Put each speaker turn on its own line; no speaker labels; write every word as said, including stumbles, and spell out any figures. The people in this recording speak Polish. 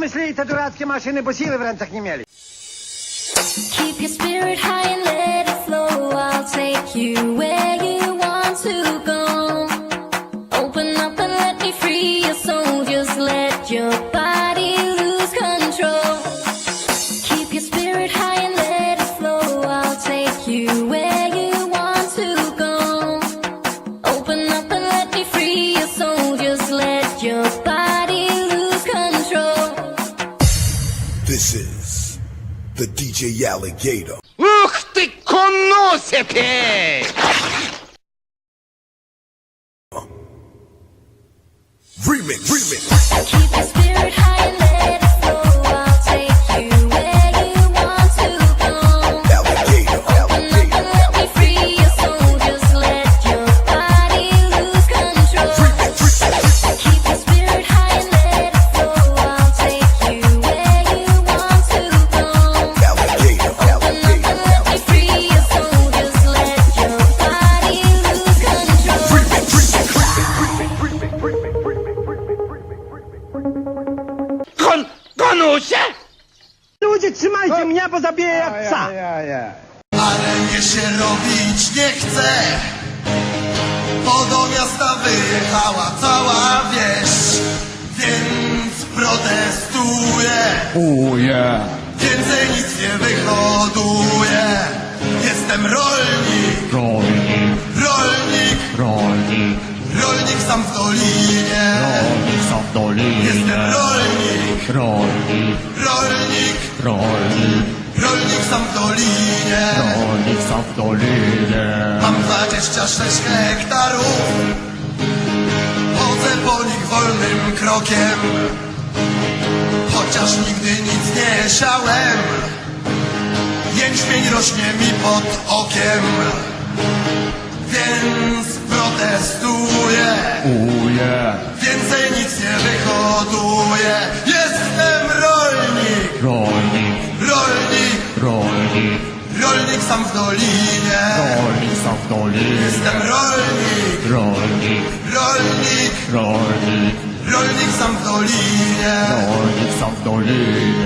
wymyślili te durackie maszyny, bo siły w rękach nie mieli.
Keep your spirit high and let it flow. I'll take you where you want to go. Open up and let me free your soul. Just let your body lose control. Keep your spirit high and let it flow. I'll take you where you want to go. Open up and let me free your soul. Just let your body lose control.
This is the D J Alligator.
Ух ты, коносите!
Remix, remix.
Keep your spirit high and let it flow. I'll take you where you want to go.
Alligator,
Open up and let me free your soul. Just let your body lose control. Keep your spirit high and let it flow. I'll take you where you want to go.
alligator,
Open up and let me free your soul. Just let your body lose control.
Кон... Конуся?
Ludzie, trzymajcie mnie, bo zabiję jak psa.
Ale mnie się robić nie chce, bo do miasta wyjechała cała wieś, więc protestuję.
Oh yeah,
Więcej nic nie wyhoduję. Jestem rolnik,
rolnik,
rolnik,
rolnik,
rolnik sam w dolinie.
rolnik sam w
Jestem
dolinie.
rolnik,
Rolnik,
rolnik,
rolnik,
rolnik sam w dolinie.
rolnik sam w dolinie.
Mam dwadzieścia sześć hektarów, chodzę po nich wolnym krokiem, chociaż nigdy nic nie siałem. Jęczmień rośnie mi pod okiem, więc protestuję.
Oh yeah,
Więcej nic nie wyhoduję. Jestem rolnik,
rolnik,
rolnik,
rolnik,
rolnik sam w dolinie.
rolnik sam w dolinie.
Jestem rolnik,
Rolnik,
rolnik,
rolnik,
rolnik sam w dolinie.
rolnik sam w dolinie.